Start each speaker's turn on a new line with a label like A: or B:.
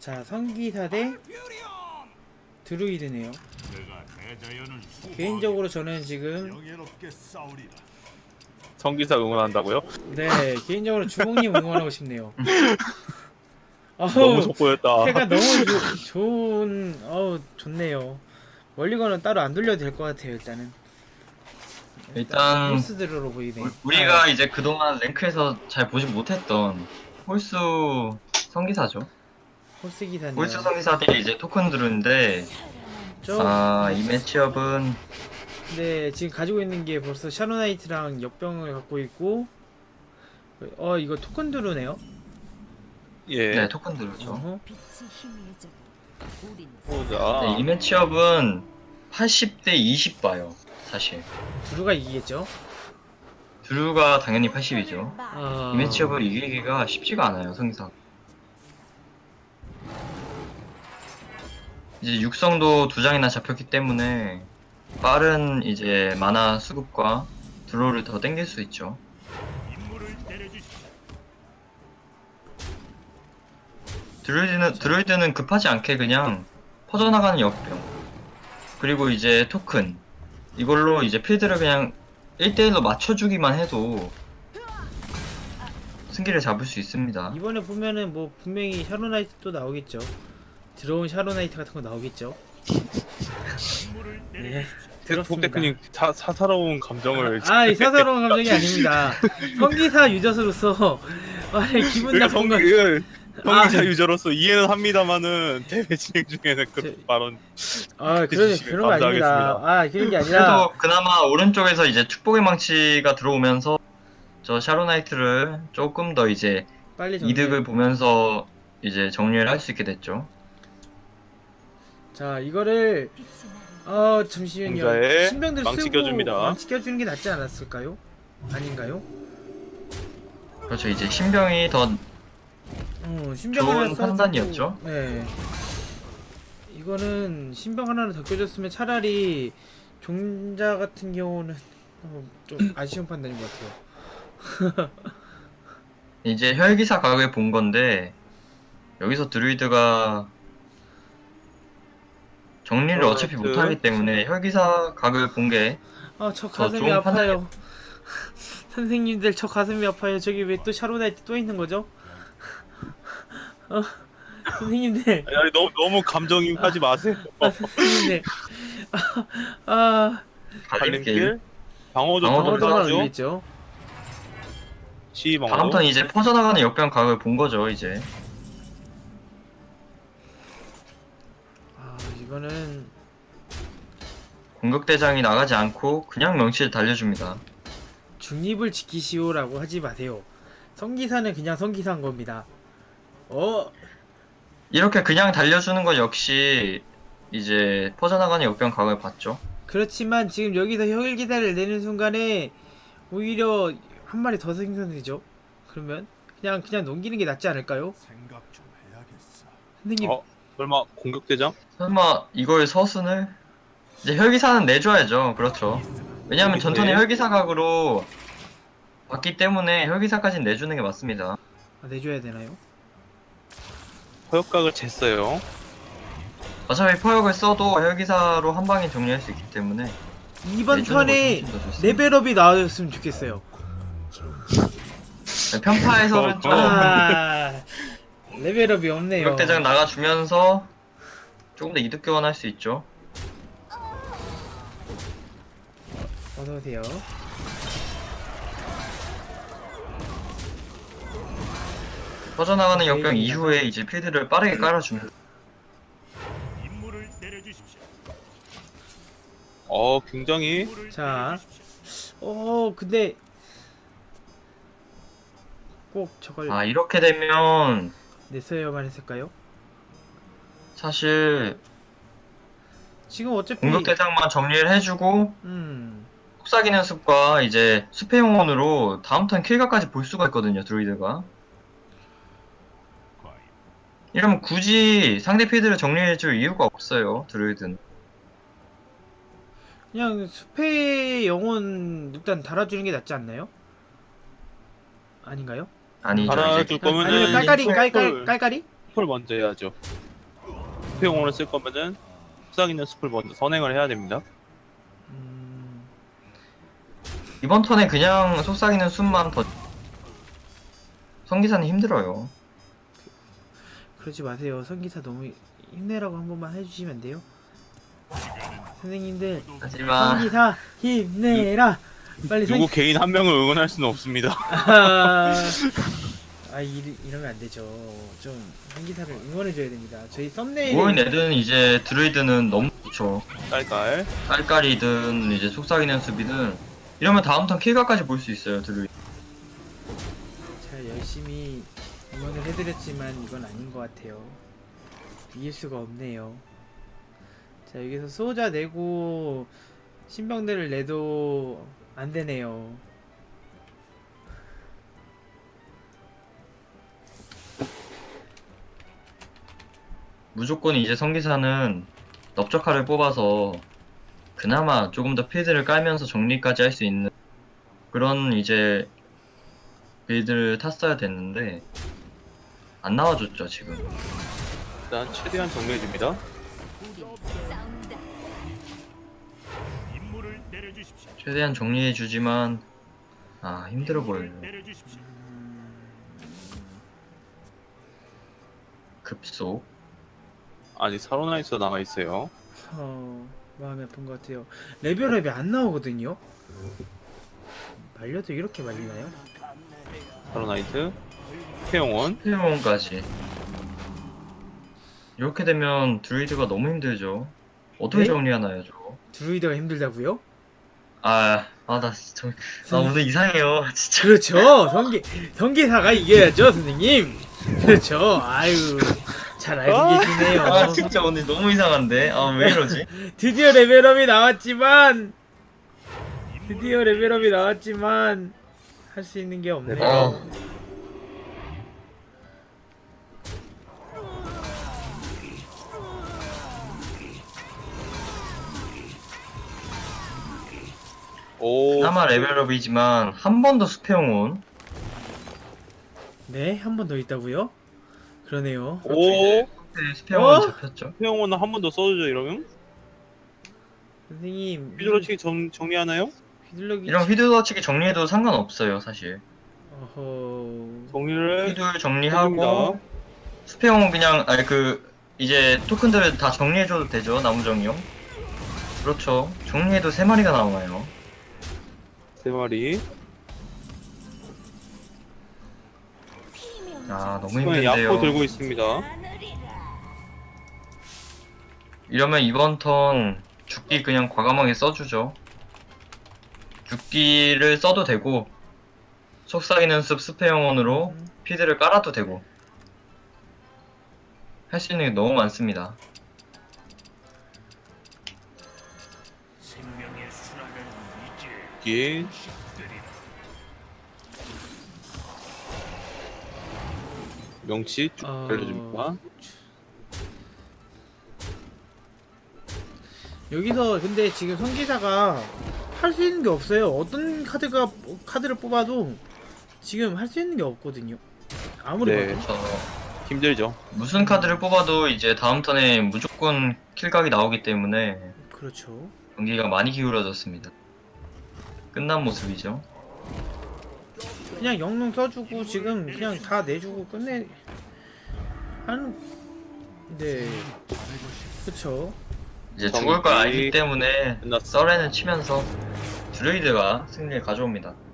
A: 자, 성기사 대 드루이드네요. 개인적으로 저는 지금
B: 성기사 응원한다고요?
A: 네, 개인적으로 주몽님 응원하고 싶네요.
B: 너무
A: 어우,
B: 속보였다.
A: 패가 너무 좋은, 좋네요. 멀리건은 따로 안 돌려도 될 것 같아요, 일단은.
C: 일단
A: 홀스드로로 보이네.
C: 우리가 이제 그동안 랭크에서 잘 보지 못했던 홀수 성기사죠.
A: 홀스 기사네요.
C: 홀수 성기사들이 이제 토큰들인데 이 매치업은
A: 근데 지금 가지고 있는 게 벌써 샤로나이트랑 역병을 갖고 있고, 이거 토큰 드루네요.
B: 예.
C: 네 토큰들이죠.
A: 어허.
B: 보자.
C: 네, 이 매치업은 80대 20 봐요. 사실
A: 드루가 이기겠죠.
C: 드루가 당연히 80이죠.
A: 아,
C: 이 매치업을 이기기가 쉽지가 않아요 성기사. 이제 육성도 2장이나 잡혔기 때문에 빠른 이제 마나 수급과 드로우를 더 땡길 수 있죠. 드루이드는 급하지 않게 그냥 퍼져나가는 역병 그리고 이제 토큰 이걸로 이제 필드를 그냥 1대1로 맞춰주기만 해도 승기를 잡을 수 있습니다.
A: 이번에 보면은 뭐 분명히 샤로나이트 또 나오겠죠. 들어온 샤로나이트 같은 거 나오겠죠. 네, 들었습니다.
B: 폭대크님 사사로운 감정을.
A: 이 사사로운 감정이 아닙니다. 성기사 유저로서 기분
B: 그러니까
A: 나쁜 건
B: 성기사 유저로서 이해는 합니다만은 대회 진행 중에는 그런 발언.
A: 그런 거 아닙니다. 그런 게 아니라
C: 그래도 그나마 오른쪽에서 이제 축복의 망치가 들어오면서 저 샤로나이트를 조금 더 이제
A: 빨리 정리.
C: 이득을 보면서 이제 정리를 할 수 있게 됐죠.
A: 자, 이거를 잠시만요.
B: 공자에
A: 신병들
B: 망치
A: 쓰고
B: 껴줍니다.
A: 망치 껴주는 게 낫지 않았을까요? 아닌가요?
C: 그렇죠. 이제 신병이 더
A: 신병
C: 좋은
A: 하나 써주고,
C: 판단이었죠.
A: 네. 이거는 신병 하나를 더 껴줬으면 차라리 종자 같은 경우는 좀 아쉬운 판단인 것 같아요.
C: 이제 혈기사 각을 본 건데 여기서 드루이드가 정리를 어차피 못하기 때문에 혈기사 각을 본 게
A: 저 가슴이
C: 좋은
A: 아파요. 선생님들 저 가슴이 아파요. 저기 왜 또 샤로나이트 또 있는 거죠? 선생님들.
B: 아니, 너무 감정이입하지 마세요.
A: 선생님들.
C: 갈림길.
B: 방어도
C: 방어도
A: 방어도 하나
C: 들어가죠.
A: 올리겠죠.
B: 시방어.
C: 다음 턴 이제 퍼져나가는 역병 각을 본 거죠 이제.
A: 이거는
C: 공격대장이 나가지 않고 그냥 명치를 달려줍니다.
A: 중립을 지키시오라고 하지 마세요. 성기사는 그냥 성기사인 겁니다.
C: 이렇게 그냥 달려주는 건 역시 이제 퍼져나가는 역병 각을 봤죠.
A: 그렇지만 지금 여기서 혈기사를 내는 순간에 오히려 한 마리 더 생성되죠. 그러면 그냥 넘기는 게 낫지 않을까요? 선생님.
B: 설마 공격대장?
C: 설마 이걸 서순을? 이제 혈기사는 내줘야죠. 그렇죠. 왜냐하면 전투는 혈기사 각으로 봤기 때문에 혈기사까지는 내주는 게 맞습니다.
A: 내줘야 되나요?
B: 허역각을 쟀어요.
C: 어차피 포역을 써도 혈기사로 한 방에 정리할 수 있기 때문에
A: 이번
C: 내주는
A: 턴에
C: 것이 훨씬 더 좋습니다.
A: 레벨업이 나와줬으면 좋겠어요.
C: 편파에서는 좀
A: 레벨업이 없네요.
C: 공격대장 나가주면서 조금 더 이득 교환할 수 있죠.
A: 어서오세요.
C: 퍼져나가는 역병 이후에 이제 필드를 빠르게 깔아줍니다.
B: 굉장히
A: 자, 근데 꼭 저걸
C: 이렇게 되면
A: 냈어야만 했을까요?
C: 사실
A: 지금 어차피
C: 공격대장만 정리를 해주고
A: 음,
C: 속삭이는 숲과 이제 숲의 영혼으로 다음 턴 킬각까지 볼 수가 있거든요 드루이드가. 이러면 굳이 상대 필드를 정리해줄 이유가 없어요 드루이드는.
A: 그냥 숲의 영혼 일단 달아주는 게 낫지 않나요? 아닌가요?
C: 아니죠.
B: 달아줄
C: 이제
B: 거면은
A: 아니면 깔깔이
B: 이
A: 깔깔이?
B: 숲을 먼저 해야죠. 수평원을 쓸 거면은 속삭이는 숲을 먼저 선행을 해야 됩니다.
C: 이번 턴에 그냥 속삭이는 숲만 더 성기사는 힘들어요.
A: 그러지 마세요. 성기사 너무 힘내라고 한 번만 해주시면 안 돼요? 선생님들
C: 하지만
A: 성기사 힘내라. 빨리
B: 누구 개인 한 명을 응원할 수는 없습니다.
A: 이러면 안 되죠. 좀 성기사를 응원해줘야 됩니다. 저희 썸네일
C: 모인 애들은 이제 드루이드는 너무 좋죠.
B: 깔깔.
C: 깔깔이든 이제 속삭이는 숲이든 이러면 다음 턴 킬각까지 볼 수 있어요 드루이드.
A: 잘 열심히 응원을 해드렸지만 이건 아닌 것 같아요. 이길 수가 없네요. 자, 여기서 수호자 내고 신병들을 내도 안 되네요.
C: 무조건 이제 성기사는 넓적칼을 뽑아서 그나마 조금 더 필드를 깔면서 정리까지 할 수 있는 그런 이제 빌드를 탔어야 됐는데 안 나와줬죠 지금.
B: 일단 최대한 정리해줍니다.
C: 최대한 정리해주지만 힘들어 보여요. 급속.
B: 아직 사로나이스가 남아있어요.
A: 마음이 아픈 것 같아요. 레벨업이 안 나오거든요. 말려도 이렇게 말리나요?
B: 사로나이트. 태용원.
C: 태용원까지. 이렇게 되면 드루이드가 너무 힘들죠. 어떻게
A: 네?
C: 정리하나요 저거?
A: 드루이드가 힘들다고요?
C: 나 오늘 이상해요 진짜.
A: 그렇죠. 성기사가 이겨야죠, 선생님. 그렇죠. 아유, 잘 알고 계시네요.
C: 진짜 오늘 너무 이상한데. 왜 이러지?
A: 드디어 레벨업이 나왔지만 할 수 있는 게 없네요.
B: 오.
C: 그나마 레벨업이지만 한 번 더 수평온.
A: 네, 한 번 더 있다고요? 그러네요.
B: 오.
C: 수평온
A: 어?
C: 잡혔죠.
B: 태용원은 한 번 더 써주죠 이러면?
A: 선생님,
B: 휘두르치기 정리하나요?
A: 휘둘러기
C: 이런 휘두러치기 정리해도 상관없어요 사실.
A: 어허.
B: 정리를
C: 휘둘 정리하고
B: 해줍니다.
C: 수평온 그냥 이제 토큰들을 다 정리해줘도 되죠 나무 정이요. 그렇죠. 정리해도 3마리가 나오나요.
B: 3마리.
C: 너무
B: 이번에 약포
C: 힘든데요.
B: 들고 있습니다.
C: 이러면 이번 턴 죽기 그냥 과감하게 써주죠. 죽기를 써도 되고 속삭이는 숲 숲의 영혼으로 피드를 깔아도 되고 할 수 있는 게 너무 많습니다.
B: 여기 명치 쭉 알려줍니다.
A: 여기서 근데 지금 성기사가 할 수 있는 게 없어요. 어떤 카드를 뽑아도 지금 할 수 있는 게 없거든요. 아무리
B: 네.
A: 봐도.
C: 그래서
B: 힘들죠.
C: 무슨 카드를 뽑아도 이제 다음 턴에 무조건 킬각이 나오기 때문에
A: 그렇죠.
C: 경기가 많이 기울어졌습니다. 끝난 모습이죠.
A: 그냥 영롱 써주고 지금 그냥 다 내주고 끝내 하는. 네. 그쵸.
C: 이제 죽을 걸
B: 경기
C: 알기 때문에
B: 끝났어.
C: 썰에는 치면서 드루이드가 승리를 가져옵니다.